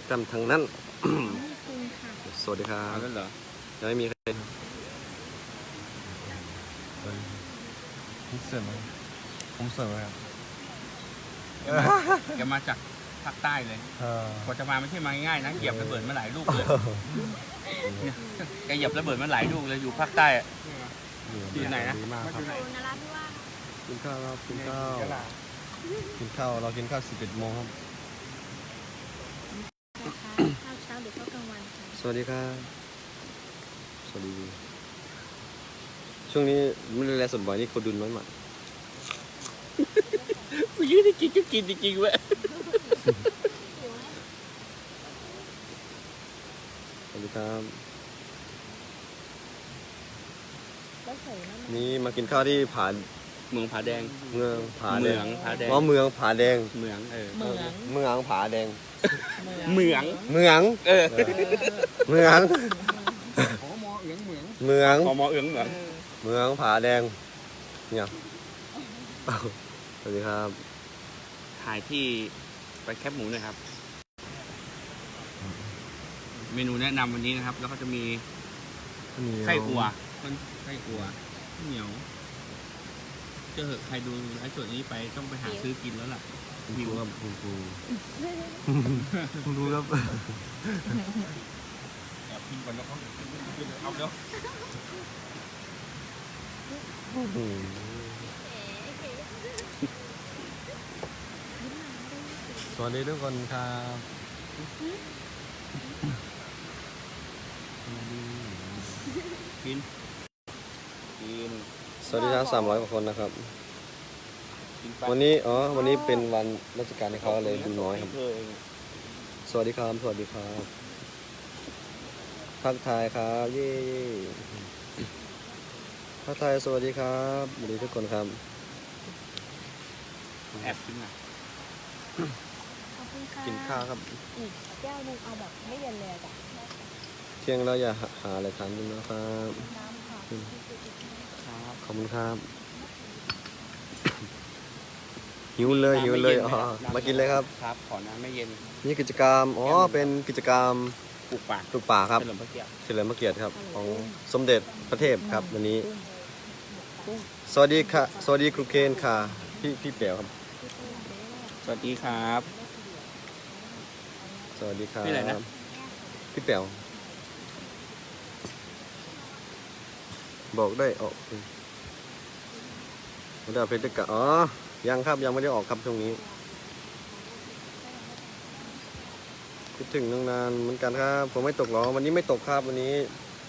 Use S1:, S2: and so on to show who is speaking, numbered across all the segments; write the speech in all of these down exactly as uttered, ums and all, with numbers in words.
S1: จำทางนั้นสวัสดีครับ
S2: นั่นเหรอ
S1: ยังไม่มีใคร
S3: ผมเสริมผมเสริมครับ
S2: แกมาจากภาคใต้เลยกว่าจะมาไม่ใช่มาง่ายๆนะเหยียบระเบิดมาหลายลูกเลยแกเหยียบระเบิดมาหลายลูกเลยอยู่ภาคใต้อยู่ไหนนะ
S1: มากครับ
S4: นราธิวาส
S1: กินข้าวครับกินข้าวกินข้าวเรากินข้าวสิบเอ็ดโมงครับ
S4: ข้าวเช้าหรือข้าวกลางวันคะ
S1: สวัสดีครับสวัสดีช่วงนี้ไม่ได้แลสดบ่อยนี่คนดุนน้อยมาก
S2: กูยืดได้กินก็กินจริงๆเว้ย
S1: สวัสดีครับ
S4: แล้วใส่น้ำมัน
S1: นี่มากินข้าวที่ผา
S2: เมืองผาแดง
S1: เมืองผาแด
S2: เมือง งผาแดง
S1: อ๋อเมืองผาแดง
S2: เมืองเออ
S4: เหมือง
S1: เมืองผาแดง
S2: เมือง
S1: เมือง
S2: เออ
S1: เมือง
S3: ขอมอเอียงเหมือง
S1: เมือง
S2: พอมอเอืองเหมือง
S1: เมืองผาแดงเนี่ยอ้าวสวัสดีครับ
S2: ถ่ายที่ไปแคบหมูหน่อยครับ เมนูแนะนำวันนี้นะครับ แล้วก็จะมีไส้อัวมันไส้อัวข้าวเหนียวเจอเหอะใครดูไอ้ส่วนนี้ไปต้องไปหาซื้อกินแล้วล่ะ
S1: คุณครูครับคุณครูคุณครูครับ
S2: แอบกินก่อนแล้วเขาเอาเดี๋ยว
S1: อืมสวัสดีทุกคนครับ
S2: กินกิน
S1: สวัสดีครับสามร้อยกว่าคนนะครับ
S2: กินไป
S1: วันนี้อ๋อวันนี้เป็นวันราชการให้เขาเลยดูน้อยครับ
S2: เออ
S1: สวัสดีครับสวัสดีครับทักทายครับเย้ทักทายสวัสดีครับสวัสดีทุกคนครับ
S2: แอบกินอ่ะ
S4: ขอบคุณค่ะ
S1: กินข้าวครับ
S4: อีกแก้วหนึงเอาแบบไม่เย็นเลยจ้ะ
S1: เที่ยงแล้วอย่าหาอะไรทานด้วยนะครับ
S4: น้ำค่ะ
S2: ครับ
S1: ขอบคุณครับ หิวเลยหิวเลยอ๋อมากินเลยครับ
S2: ครับขอน้ำไม่เย็น
S1: นี่กิจกรรมอ๋อเป็นกิจกรรม
S2: ปลูกป่า
S1: ปลูกป่าครับ
S2: เฉลิมพระเกียรติ
S1: เฉลิมพระเกียรติครับของสมเด็จพระเทพครับวันนี้ สวัสดีค่ะสวัสดีครูเคนค่ะพี่พี่เป๋วครับ
S2: สวัสดีครับ
S1: สวัสดีครับ
S2: พี่อะไรนะ
S1: พี่เป๋วบอกได้ออกไม่ได้เอาเพชรกะอ๋อยังครับยังไม่ได้ออกครับช่วงนี้คิดถึงตั้งนานเหมือนกันครับผมไม่ตกหรอกวันนี้ไม่ตกครับวันนี้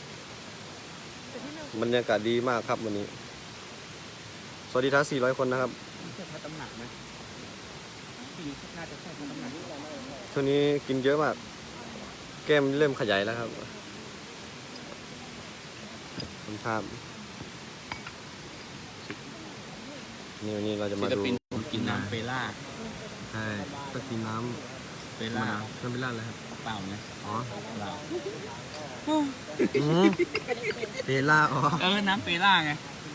S1: บรรยากาศดีมากครับวันนี้สวัสดีทั้งสี่ร้อยคนนะครับ
S2: ใช่พระตำหนักไหมพี่น่าจะใช่พระตำหนัก
S1: ช่วงนี้กินเยอะมาก แก้มเริ่มขยายแล้วครับขอบคุณครับนี่วันนี้เราจะมา
S2: ศิล
S1: ดู
S2: ปินกินน้ำเปล่า
S1: ใช่ก็กินน้
S2: เป
S1: ำ
S2: ล่า
S1: น้ำไม่ลาดเลยครับ
S2: เปล่านะ
S1: อ๋อ
S2: เปล่า
S1: เปล่าอ๋อ
S2: เออน้ำเปล่าไง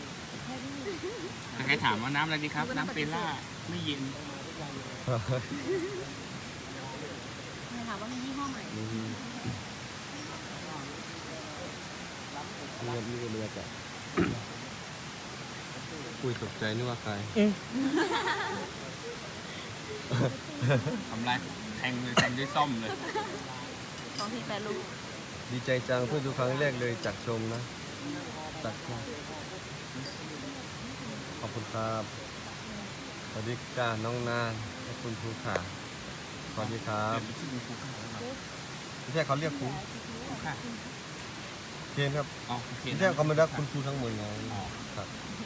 S2: ใครถามว่าน้ำอะไรดีครับ น้ำเปล่าไม่เย็น
S4: ถามว่ามียี่ห้อไหน
S1: เรียบเรียบเรียบอะอุ้ยตกใจนึกว่าใคร
S2: ทำไรแทงเลยแทงด้วยซ่อมเลย
S4: สองทีแปดลูก
S1: ดีใจจังเพื่อดูครั้งแรกเลยจากชมนะจากชมขอบคุณครับสวัสดีค่ะน้องนานและคุณครูค่ะสวัสดีครับไม่ใช่เขาเรียกครู
S2: ค่ะ
S1: เคนครับ
S2: อ๋อโอเค
S1: ไม่ใช่เขาไม่รักคุณครูทั้งหมดไงครับ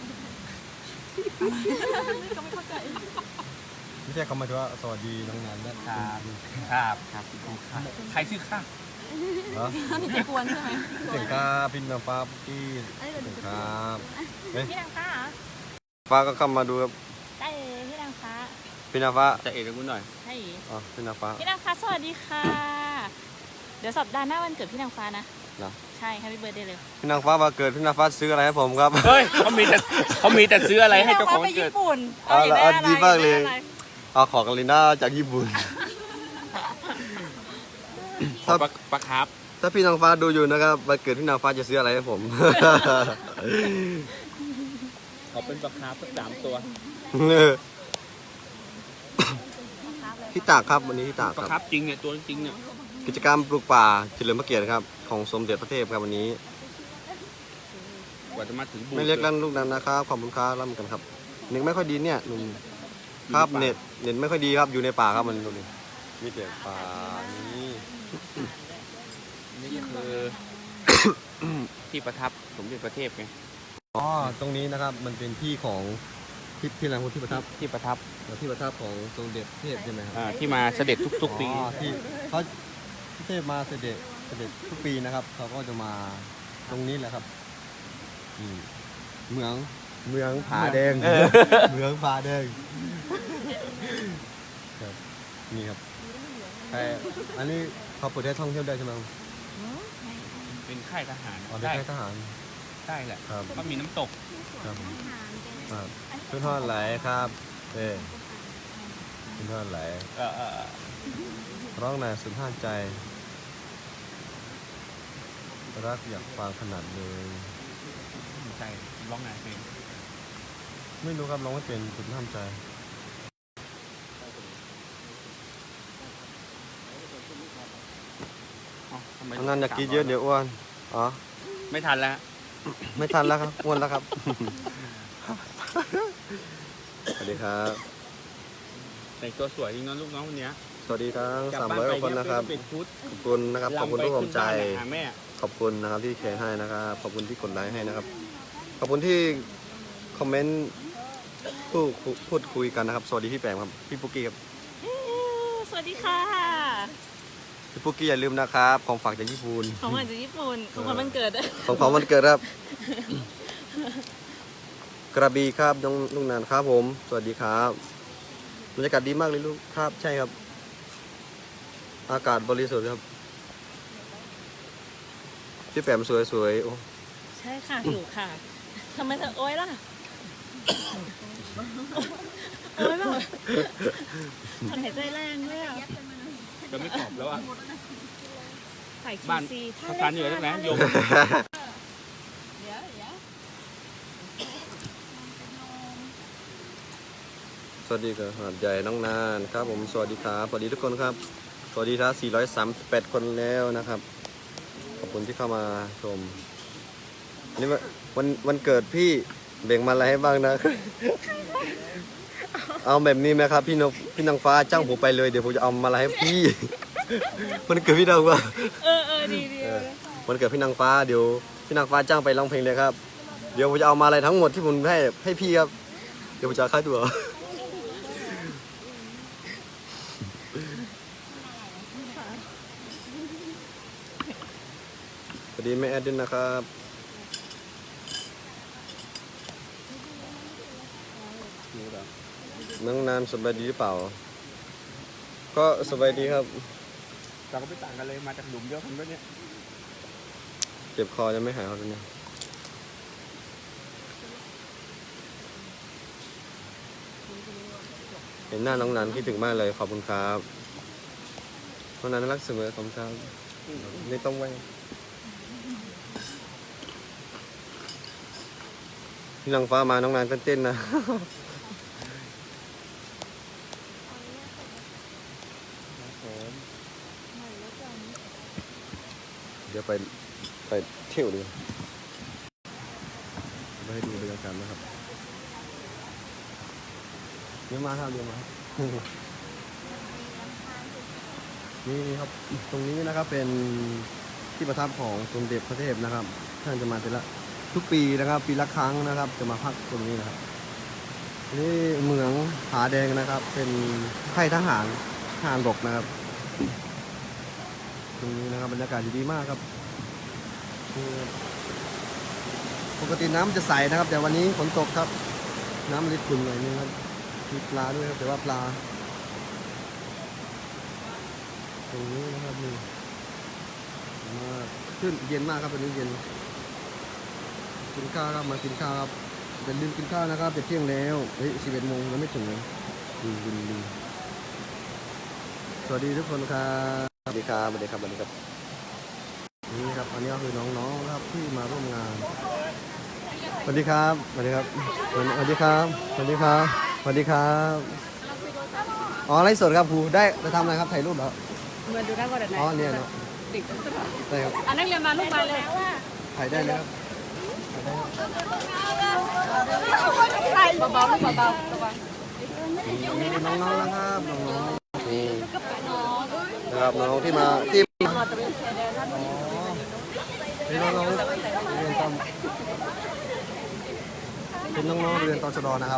S4: ก็ไม่เข้าใจ
S1: ไม่ใช่เขาหมายถึงว่าสวัสดีน้องนานและ
S2: ครับครับครับใครชื่อข้า
S1: เหรอ
S4: นี่จะกวนใช่ไหม
S1: เสียงครับพี่น้ำฟ้าปุ๊กกี้เสียงครับเฮ้ย
S4: พี่นางฟ้าเหรอ
S1: ฟ้าก็เข้ามาดูครับ
S4: ได้เลยพี่นางฟ้า
S1: พี่น้ำฟ้า
S2: จะเอกกูหน่อย
S4: ใช่
S1: อ๋อพี่น้ำฟ้า
S4: พี่นางฟ้าสวัสดีค่ะ เดี๋ยวสัปดาห์หน้าวันเกิดพี่นางฟ้านะ
S1: เหรอ
S4: ใช่แฮปปี้เบิร์ดเดย์เลย
S1: พี่น้ำฟ้ามาเกิดพี่น้ำฟ้าซื้ออะไรให้ผมครับ
S2: เฮ้ยเขามีแต่เขามีแต่ซื้ออะไรให้เจ้าของ
S4: ไป
S2: เกิ
S4: ญี่
S2: ด
S4: ปุ่น
S1: เอาละ
S4: อยากได้
S1: เอาดีมากเลย
S4: อะไร
S1: เอาของกาลิน่าจากญี่ปุ่น
S2: ขอปลาปลาคาร์ฟ
S1: ถ้าพี่นางฟ้าดูอยู่นะครับวันเกิดพี่นางฟ้าจะซื้ออะไรให้ผม
S2: ขอเป็นปลาคาร์ฟสักสามตัว
S1: ที่ตากครับวันนี้ที่ตาก
S2: ปลา
S1: ค
S2: คา
S1: รับ
S2: ร์ฟจริงเนี่ยตัวจริงเนี่ย
S1: กิจกรรมปลูกป่าเฉลิมพระเกียรติครับของสมเด็จพระเทพครับวันนี้
S2: กว่าจะมาถึงบู
S1: ไม่เล็กลั่นลูกนั้นนะครับขอบคุณครับร่ำกันครับเน็ตไม่ค่อยดีเนี่ยหนุ่มครับเน็ตเน็ตไม่ค่อยดีครับอยู่ในป่าครับมันดูนี่มีแต่ป่านี้
S2: นี่ก็คือ ที่ประทับสมเด็จพระเทพไง
S1: อ๋อตรงนี้นะครับมันเป็นที่ของที่ที่อะไรที่ประทับ
S2: ที่ประทับ
S1: ที่ประทับของสมเด็จพระเทพใช่ไหมครับ
S2: อ่าที่มาเสด็จทุกๆปี
S1: อ๋อที่เขาพระเทพมาเสด็จเสด็จทุกปีนะครับเขาก็จะมาตรงนี้แหละครับอืมเมืองเมืองผาแดง
S2: เออ
S1: เมืองผาแดงครับนี่ครับแต่อันนี้เขาเปิดให้ท่องเที่ยวได้ใช่ไหมครับ
S2: เป็นค่ายทหาร
S1: อ๋อได้
S2: ได้
S1: แค่ทหาร
S2: ได้แหละ
S1: ครับ
S2: ก็มีน้ำตก
S1: ครับครับขึ้นทอดไหลครับเอ้ขึ้นทอดไหล
S2: เออเออเออ
S1: ร้องนายสุนทรใจ รักอยากฟังขนาดเลย
S2: ใช่ร้องนายเพลง
S1: ไม่รู้ครับร้องไม่เป็นสุนทรใจ
S2: อ๋อทำไม
S1: อันนั้นอยากกินเยอะเดี๋ยวอ้วนอ๋อ
S2: ไม่ทันแล้ว
S1: ไม่ทันแล้วครับอ้วนแล้วครับ สวัสดีครับ
S2: แต่งตัวสวยจริงนะลูกน้องคนเนี้ย
S1: สวัสดีทั้ง
S2: กลั
S1: สาม
S2: บ้าน
S1: ร้อย
S2: ไป
S1: กว่าคนนะครับ
S2: เป็นชุด
S1: ขอบคุณนะครับขอบคุณทุกกำลังใจ
S2: ลำไปขึ้นบ้านหาแม่
S1: ขอบคุณนะครับที่แชร์ให้นะครับ ขอบคุณที่กดไลค์ให้นะครับ ขอบคุณที่คอมเมนต์พูดพูดคุยกันนะครับ สวัสดีพี่แปมครับ พี่ปุ๊กกี้ครับ
S4: สวัสดีค่ะ
S1: พี่ปุ๊กกี้อย่าลืมนะครับ ของฝากจากญี่ปุ่น
S4: ของขวัญจากญี่ปุ่นของขวัญวันเกิดด้วย
S1: ของของวันเกิดครับ กระบี่ครับน้องลุงนานครับผม สวัสดีครับบรรยากาศดีมากเลยลูกครับ ใช่ครับ อากาศบริสุทธิ์ครับพี่แปมสวยๆโอ้
S4: ใช่ค่ะถูกค่ะทำไมเธอโอ๊ยล่ะโอ๊ยแบบหายใจแรงด้วยอ่ะ
S2: จะไม่ตอบแล้วอ่ะ
S4: ใส่คิ
S2: บ้าน
S4: วซี
S2: ภาษาเหนือทั้งนั้นโยม
S1: สวัสดีครับหาดใหญ่น้องนานครับผมสวัสดีครับสวัสดีทุกคนครับ สวัสดีทั้งสี่ร้อยสามสิบแปดคนแล้วนะครับ ขอบคุณที่เข้ามาชมอันนี่วันวันเกิดพี่แบ่งมาอะไรให้บ้างนะ เอาแบบนี้ไหมครับพี่นกพี่นางฟ้าจ้างผมไปเลยเดี๋ยวผมจะเอามาอะไรให้พี่ มันเกิดพี่นางฟ้า
S4: เออเออดีดี
S1: เออวันเกิดพี่นางฟ้าเดี๋ยวพี่นางฟ้าจ้างไปร้องเพลงเลยครับ เดี๋ยวผมจะเอามาอะไรทั้งหมดที่ผมให้ให้พี่ครับ เดี๋ยวผมจะเอาค่าตัว สวัสดีแม่แอดดินนะครับน้องนานสบายดีหรือเปล่า ก็สบายดีครับ
S2: เราก็ไม่ต่างกันเลยมาจากหลุมเดียวกันด้วยเนี่ย
S1: เจ็บคอยังไม่หายครับตอนนี้เห็นหน้าน้องนันคิดถึงมากเลยขอบคุณครับน้องนันน่ารักเสมอขอบคุณครับไม่ต้องไว้พี่นางฟ้ามาน้องนันเต้นๆนะ เดี๋ยวไปไปเที่ยวดีไปให้ดูบรรยากาศนะครับเดี๋ยวมาครับเดี๋ยวมา นี่ครับตรงนี้นะครับเป็นที่ประทับของสมเด็จพระเทพนะครับท่านจะมาแต่ละทุกปีนะครับ ปีละครั้งนะครับ จะมาพักตรงนี้นะครับนี่เมืองผาแดงนะครับ เป็นค่ายทหารทหารบกนะครับตรงนี้นะครับบรรยากาศดีมากครับปกติน้ำจะใสนะครับ แต่วันนี้ฝนตกครับ น้ำมันขุ่นหน่อยนึงครับมีปลาด้วยครับแต่ว่าปลาตรงนี้นะครับนี่มาขึ้นเย็นมากครับวันนี้เย็นกินข้าวครับมากินข้าวครับอย่าลืมกินข้าวนะครับจะเที่ยงแล้วเฮ้ยสิบเอ็ดโมงยังไม่ถึงเลยดูดูดูสวัสดีทุกคนครับสวัสดีครับสวัสดีครับสวัสดีครับนี่ครับอันนี้ก็คือน้องๆนะครับที่มาร่วมงานสวัสดีครับสวัสดีครับสวัสดีครับสวัสดีครับสวัสดีครับอ๋อไลฟ์สดครับครูได้จะทำอะไรครับถ่ายรูปเหรอ
S4: เหมือนดูได้ว่าเด็กไหน
S1: อ๋อเนี่ยเนาะ
S4: ติด
S1: ได้ครับ
S4: อันนั้นเรียนมาลูกมาเลย
S1: ถ่ายได้เลยครับ
S4: เบาๆลูกเบาๆระวัง
S1: นี่น้องๆนะครับน้องๆนี่นะครับน้องๆที่มาที่เป็นน้องๆเรียนตอนเป็นน้องๆเรียนตชดนะครับ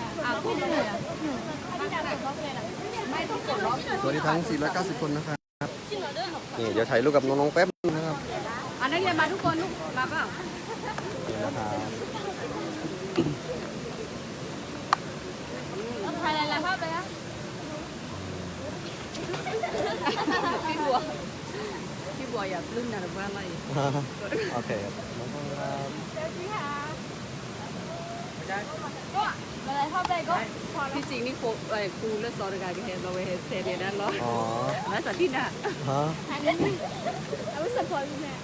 S1: สวัสดีทั้งสี่ร้อยเก้าสิบคนนะครับนี่เดี๋ยวถ่ายรูปกับน้องๆแป๊บนึงนะครับ
S4: อันนั้นเรียนมาทุกคนลูกมาเปล่า
S1: นี่นะครับ
S4: ถ่ายอะไรภาพเลยอะพี่บัวพี่บัวอย่าลื่นนะหรือว่าอะไร
S1: โอเคครับน้องๆครับ
S4: อะไรภาพอะไรก็ที่จริงนี่ครูไอ้ครูเลือกสอนการเรียนเราไปเทเรียนนั่นเหรอ
S1: อ๋อ
S4: แล้วสัตว์ที่น่ะ
S1: ฮะ
S4: เอาไว้สปอยล์แม่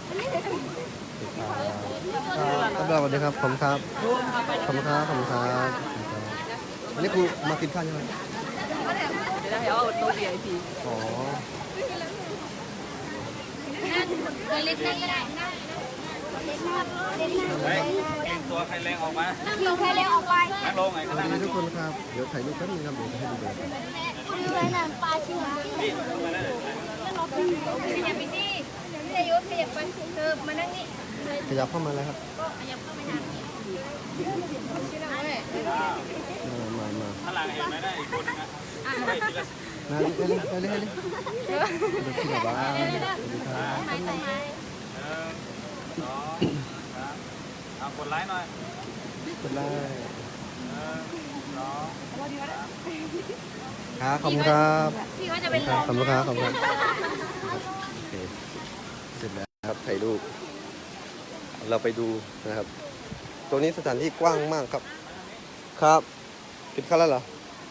S1: ครับสวัสดีครับผมครับผมครับผมครับอันนี้ครูมากินข้าวใช่ไหม
S4: เดี๋ยวให้เอาโต๊ะ วี ไอ พี
S1: อ๋อ
S5: ตัวเล็กนั่งก็ได้นั่งเล็กนั่ง
S2: เฮ้ยเก่งตัวใครแรงออกมา
S5: นั่งลงแค่เล็กออกไป
S2: นั่งลงไง
S1: ส
S2: ก็
S1: วั
S2: ได้
S1: สดีทุกคนครับเดี๋ยวถ่ายรูปแป๊บนึงครับเดี๋ยวจะให้ดูแบบ
S5: คือไว้นั่งปลาชิวนี่ขยับไปสิขยับขยับไปเธอมานั่งนี่
S1: ขยับเข้ามาเลยครับ
S5: ขยับเข้าไปนั่งนี่ชื่ออะไร
S1: มามามา
S2: ข้างหลังเห็นไหมได้อีกคนนึงนะเฮ้ยทีละ
S1: มาเลยเลยเลยเลยเลยเดี๋ยวที่ไหนบ้างสวัสดีครับ
S5: ไม้ไม้
S2: หนึ่งสองสามเอากดไลค์หน่อย
S1: เป็นไร
S2: หนึ่งสอง
S1: ครับขอบคุณครับ
S5: พี่เขาจะเป็นล
S1: ขอบ
S5: ม
S1: คุณครับขอบคุณครับโอเคเสร็จแล้วครับถ่ายรูปเราไปดูนะครับ ตรงนี้สถานที่กว้างมากครับ ครับกินข้าวแล้วเหรอ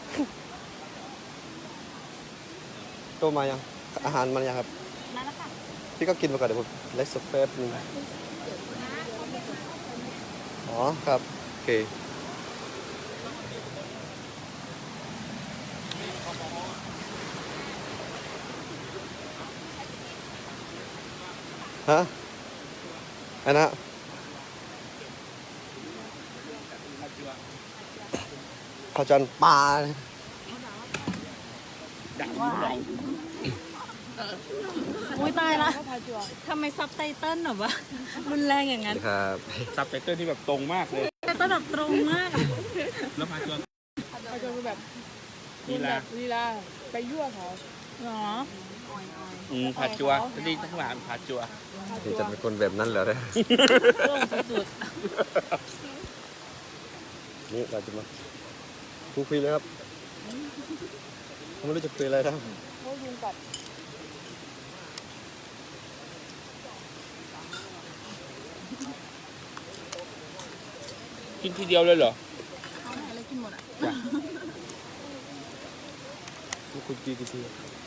S1: โตมายังอาหารมันยังครับ
S5: มาแล้วค่ะ
S1: พี่ก็กินมาก่อนเดี๋ยวผมไลฟ์สดแป๊บนึงอ๋อครับโอเคฮะอันนะข้าวจันปลา
S4: อุ้ยตายละทำไมซับไตเติ้ลแบบว่ารุนแรงอย่างนั้น
S1: ครับ
S2: ซับไตเติ้ลที่แบบตรงมากเลย
S4: ไตเติ้ลแบบตรงมาก
S2: แล้วพาตัว
S6: อาจจะคือแบบ
S2: ลีลา
S6: ลีลาไปยั่วเขา
S4: หรอ
S2: อืมผาจัวจะดีทั้งหลานผาจัว
S1: นี่จะเป็นคนแบบนั้นเหรอเนี่ย
S4: โล่งสุด
S1: นี่เราจะมาคุยคุยเลยครับผมไม่รู้จะคุยอะไรครับ
S6: เขายุงกัด
S2: กินทีเดียวเลยเหรอ
S1: คุยคุยกี่ที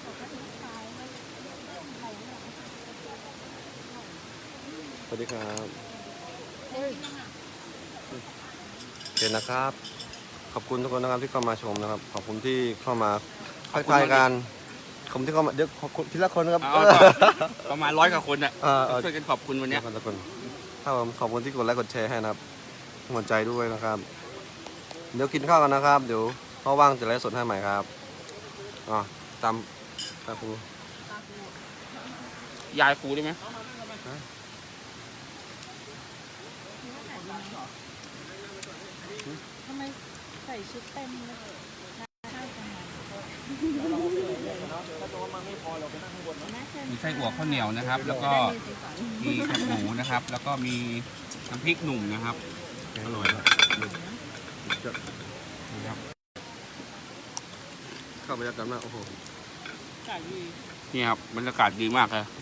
S1: สวัสดีครับโอเคนะครับ ขอบคุณทุกคนนะครับที่เข้ามาชมนะครับ ขอบคุณที่เข้ามาทักทายกันขอบคุณที่เข้ามาเดี๋ยวขอบคุณทีละคนนะครับ
S2: เอาประมาณร้อยกว่าคนอ่ะ
S1: เออเออ
S2: ช่วยกันขอบคุณวันเนี้ย
S1: ขอบคุณทุกคนครับผมขอบคุณที่กดไลค์กดแชร์ให้นะครับหัวใจด้วยนะครับ เดี๋ยวกินข้าวกันนะครับ เดี๋ยวพอว่างจะไลฟ์สดให้ใหม่ครับอ๋อตามตามครู
S2: ยายครูได้ไหม
S4: ทำไมใส่ชุดเต็มเลย
S2: มีไส้อั่วข้าวเหนียวนะครับ แล้วก็มีแคบหมูนะครับ แล้วก็มีน้ำพริกหนุ่มนะครับอร่อยครับนี่ครับ
S1: เข้าบรรยากาศมากโอ้โห
S2: นี่ครับบรรยากาศดีมากเลย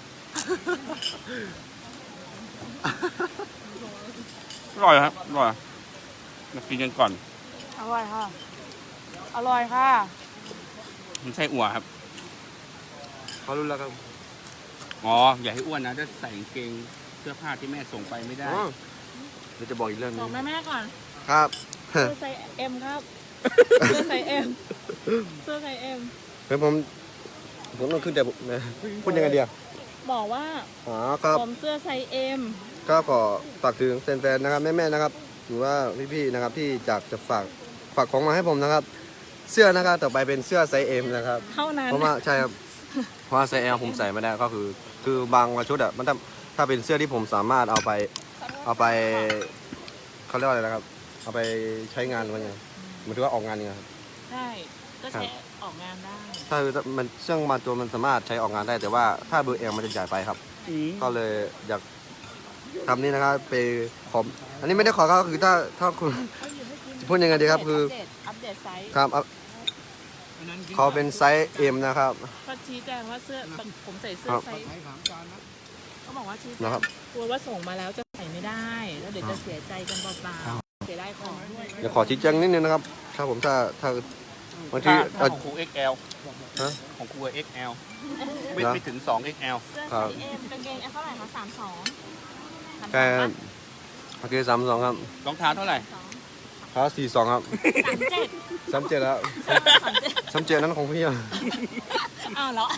S2: อร่อยครับอร่อยมากินกันก่อน
S6: อร่อยค่ะ อร่อยค่ะ
S2: มันไส้อั่วครับ
S1: เขารู้แล้วครับ
S2: อ๋ออย่าให้อ้วนนะถ้าใส่กางเกงเสื้อผ้าที่แม่ส่งไปไม่ได้
S1: อ๋อเดี๋ยวจะบอกอีกเรื่องหนึ
S6: บ
S1: ง
S6: อกแม่แม่ๆก่อน
S1: ครับ
S6: เสื้อไซส์เอ็มครับ เสื้อไซส์เอ็มเสื้อไซส์เอ็ม
S1: เฮ้ยผมผมต้องขึ้นแต่ผมนะพูดยังไงเดียว
S6: บอกว่า
S1: อ๋อครับ
S6: ผมเสื้อไซส์เอ็ม
S1: ก็ขอฝากถึงแฟนๆนะครับแม่ๆนะครับหรือว่าพี่ๆนะครับที่จากจะฝากฝากของมาให้ผมนะครับ เสื้อนะครับต่อไปเป็นเสื้อไซส์เอ็มนะครับ
S6: เท่านั้น
S1: เพราะว่าใช่ครับเพราะว่าไซส์เอลผมใส่ไม่ได้ก็คือ คือบางชุดอ่ะมันถ้าถ้าเป็นเสื้อที่ผมสามารถเอาไปเอาไปเขาเรียกว่าอะไรนะครับ เอาไปใช้งานมันยังหมายถึงว่าออกงานยังไงครับ
S6: ใช่ก็ใช้ออกงานได้
S1: ถ้าคือมันเสื้อบางตัวมันสามารถใช้ออกงานได้ แต่ว่าถ้าเบอร์เอลมันจะใหญ่ไปครับ
S2: อืม
S1: ก็เลยอยากทำนี่นะครับไปขออันนี้ไม่ได้ขอก็คือถ้าถ้าคุณจะพูดยังไงดีครับคือ
S6: อัปเดตอัปเดตไซส์
S1: ครับเอาเขาเป็นไซส์เอ็มนะครับ
S6: ก็ชี้แจงว่าเสื้อผมใส่เสื้อ
S1: ครับ
S6: ไซส์
S3: ใช้สามจานนะ
S6: เขาบอกว่าชี้แจ
S1: นะครับ
S6: งกลัวว่าส่งมาแล้วจะใส่ไม่ได้ แล้วเดี๋ยวจะเสียใจกันเปล่าๆเสียได้ของด้วย
S1: เดี๋ยวขอชี้แจงนิดนึงนะครับ ถ้าผมถ้าถ้าบางที
S2: ถ้าถ้า
S1: เอา
S2: ของครู เอ็กซ์ แอล
S1: ฮะ
S2: ของครู เอ็กซ์ แอล ไม่
S1: เหรอ
S2: ไม่ถึง สอง เอ็กซ์ แอล
S6: เสื้อ
S1: ครั
S6: ไซ
S1: บ
S6: ส์เอ็มกางเกงเท่าไหร่คะสามสอง
S1: แค่โอเคสามสองครับ
S2: รองเท้าเท่าไหร่
S1: เขาสี่สองครับ
S6: สามเจ็ด
S1: สามเจ็ดแล้ว
S6: สามเจ็ด
S1: สามเจ็ดนั้นของพี่อะ
S6: อ้าวแล้ว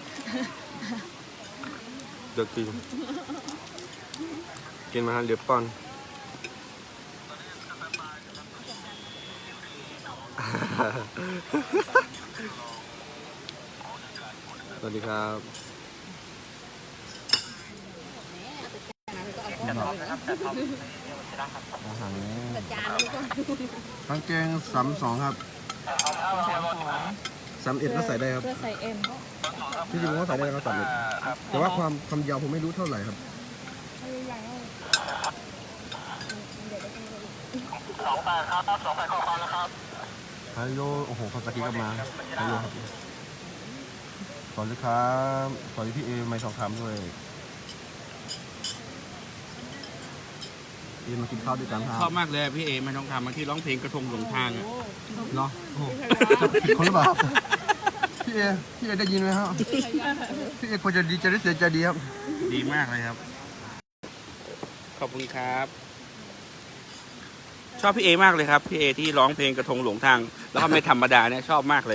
S1: เดือดกินกินมาฮะเดือดป้อนสวัสดีครับ อาหาร
S4: จานนี้ก็
S1: กางเกงสามสองครับ
S6: สามสอง
S1: สามเอ็ดก็ใส่ได้ครับ
S6: เสื้อไซส์เอ็ม
S1: ที่จริงผมก็ใส่ได้นะครับสามเอ็ดแต่ว่าความความยาวผมไม่รู้เท่าไหร่ครับสองแปดครับสองแปดข้อความแล้วครับฮัลโหลโอ้โหภาษากีก็มาฮัลโหลครับสวัสดีครับสวัสดีพี่เอไม่ทองคำด้วยเอมากินข้าวด้วยกันครั
S2: ชอบบ มากเลยพี่เอมันต้องทำมาที่ร้องเพลงกระทงหลงทางอ่ะ
S1: เนาะโอ้โหจะผิดคนหรือเปล่าครับพี่เอพี่เอได้ยินไหมครับพี่เอควรจะดีใจหรือเสียใจดีครับ
S2: ดีมากเลยครับ ขอบคุณครับ ชอบพี่เอมากเลยครับพี่เอที่ร้องเพลงกระทงหลงทาง แล้วก็ไม่ธรรมดาเนี่ยชอบมากเลย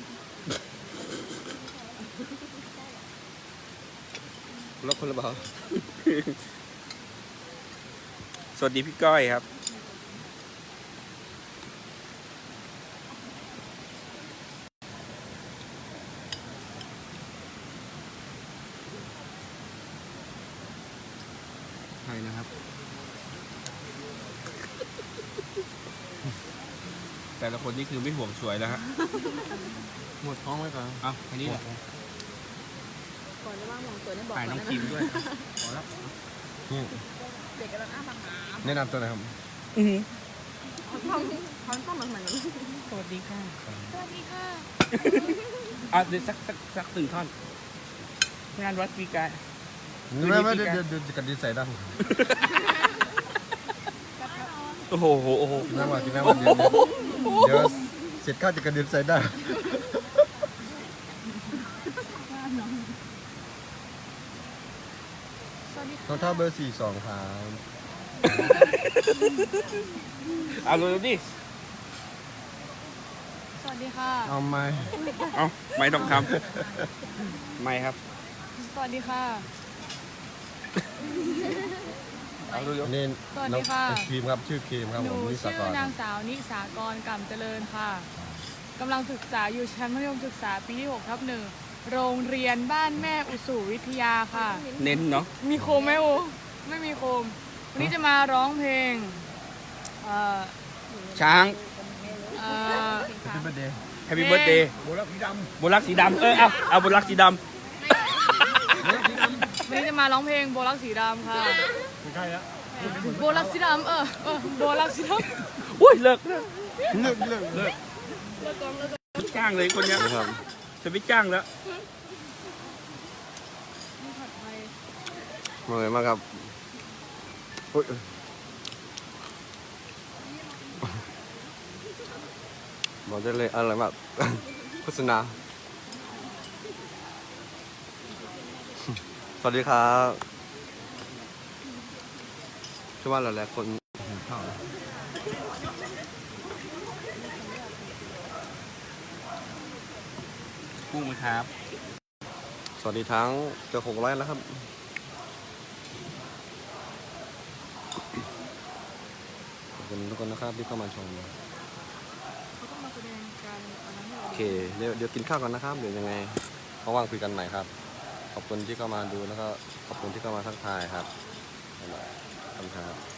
S1: รักคนหรือเปล่า
S2: สวัสดีพี่ก้อยครับ
S1: ใช่นะครับ
S2: แต่ละคนนี่คือไม่ห่วงสวยแล้วฮะ
S1: หมดท้องไหมครับ
S2: เอาอันนี้แหละ
S4: ก่อนจะว่ามองสวยได้บอก
S2: ถ่ายน้องคิมด้วยพอแล้ว
S1: นี่
S4: เด็กกำลังอ้าปากหา
S1: แนะนำตัวหน่อยครับ
S4: เขาต้องเขาต้องเหมือนเหมือน
S6: สวัสดีค่ะ
S4: สวัสดีค่ะ
S2: อ่ะเดี๋ยวสักสักสักหนึ่งท่อน งานวัดปีกาย
S1: ไม่ไม่เดี๋ยวเดี๋ยวเดี๋ยวจะกระดิ่งใส่ได้
S2: โอ้โหโอ้โห
S1: กินน้ำมากินน้ำมาเดี๋ยวเดี๋ยวเสร็จข้าวจะกระดิ่งใส่ได้รองเท้าเบอร์สี่สองครับ
S2: เอาเลยดิ
S6: สวัสดีค่ะ
S1: เอาไหม
S2: เอาไม่ต้องทำไม่ครับ
S6: สวัสดีค่ะ
S2: เอาดู
S1: นี่
S6: สวัสดีค่ะ
S1: น้องครีมครับชื่อครีมครับ
S6: ห
S1: ผ
S6: นู
S1: มนิสา
S6: ชื่
S1: ก
S6: อ
S1: ร
S6: นางสาวนิสากรกำเจริญค่ะกำลังศึกษาอยู่ชั้นมัธยมศึกษาปีที่หกทับหนึ่งโรงเรียนบ้านแม่อุสุวิทยาค่ะ
S2: เน้นเนาะ
S6: มีโคมไหมโอไม่มีโคม วันนี้จะมาร้องเพลงเอ่อ
S2: ช้าง
S6: เอ่อ
S1: พี่เบอร์เดย์
S2: Happy Birthday
S3: โบลักสีด
S2: บนรักสีดำเออเอาเอาบนรักสีด
S6: วันนี้จะมาร้องเพลงโบลักสีดำค่ะ
S3: ำไม่ใช่แล้ว
S6: โบลักสีดำเออเออโบลักสีด
S2: ำอุ้ยเลิกเลิก
S1: เลิกเลิก
S2: เลิกจ้างเลยคนเนี้ย
S1: นะครับ
S2: จะไม่จ้างแล้ว
S1: มาเลยมากครับอุ๊ยบอกได้เลยอร่อยมาก โฆษณาสวัสดีครับช่วยว่าหลายๆคนหิวข้าว
S2: กุ้งไหมครับ
S1: สวัสดีทั้งเกือบหกร้อยแล้วครับขอบคุณทุกคนนะครับที่เข้ามาชม
S6: เขาต้องมาแสดงการอันนั้นให้
S1: โอ
S6: เรา
S1: เคเดี๋ยวเดี๋ยวกินข้าวกันนะครับเดี๋ยวยังไงว่างๆคุยกันใหม่ครับ ขอบคุณที่เข้ามาดูแล้วก็ขอบคุณที่เข้ามาทักทายครับบ๊ายบายขอบคุณครับ